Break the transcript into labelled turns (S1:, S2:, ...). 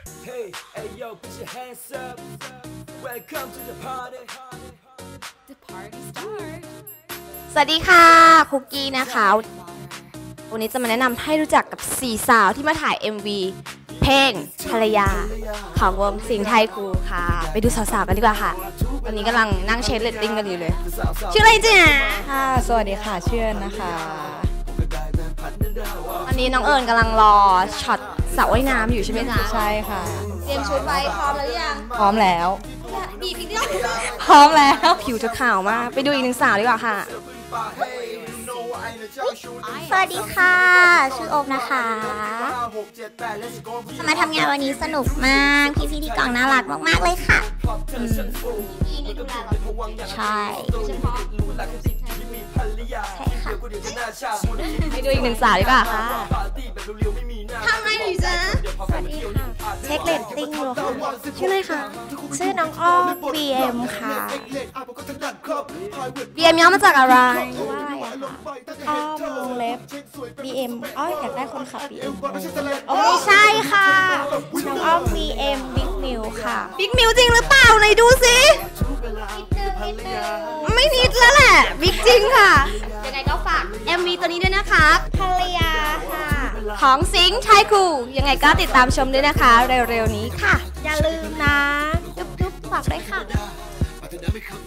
S1: Hey, hey yo, put your hands up. Welcome to the party.
S2: The party start.
S3: สวัสดีค่ะคุกกี้นะคะวันนี้จะมาแนะนำให้รู้จักกับ4สาวที่มาถ่าย MV เพลงภรรยาของวงสิงห์ไทยครูค่ะไปดูสาวๆกันดีกว่าค่ะตอนนี้กำลังนั่งเช็คเรตติ้งกันอยู่เลยชื่ออะไรจ๊ะ
S4: ค่ะสวัสดีค่ะชื่อนะคะ
S3: ตอนนี้น้องเอิญกำลังรอช็อตสระว่ายน้ำอยู่ใช่ไหมจ๊ะ
S4: ใช่ค่ะ
S3: เตรียมชุดไว้พร้อมแล้วยัง
S4: พร้อมแล้ว
S3: บีบอีกนิด
S4: พร้อมแล้ว
S3: ผิวจะขาวมากไปดูอีกหนึ่งสาวดีกว่าค่ะ
S5: สวัสดีค่ะ ชื่อโอมนะคะมาทำงานวันนี้สนุกมากพี่ๆที่กองน่ารักมากๆเลยค่ะใช่ค่ะ
S3: ไปดูอีกหนึ่งสาวดีกว่าค่ะ
S5: ทำไงหนูจ๊ะสวัสดีค่ะเช็คเรตติ้งดูค่ะชื่ออะไรคะชื่อน้องอ้อม BM ค่ะ
S3: BM ย่อมาจากอะไร
S5: ว่าอะไรอะคะอ้อมวงเล็บ BM อ้ออยากได้คนขับ BM ไม่ใช่ค่ะน้องอ้อม BM Big Mill ค่ะ
S3: บิ๊กมิวจริงหรือเปล่าไหนดูสิไม่นิดแล้วแหละบิ๊กจริงค่ะยังไงก็ฝาก MV ตัวนี้ด้วยนะคะ
S5: ภรรยาค่ะ
S3: ของสิงห์ไทยครูยังไงก็ติดตามชมด้วยนะคะเร็วๆนี้ค่ะ
S5: อย่าลืมนะจุ๊บๆฝากด้วยค่ะ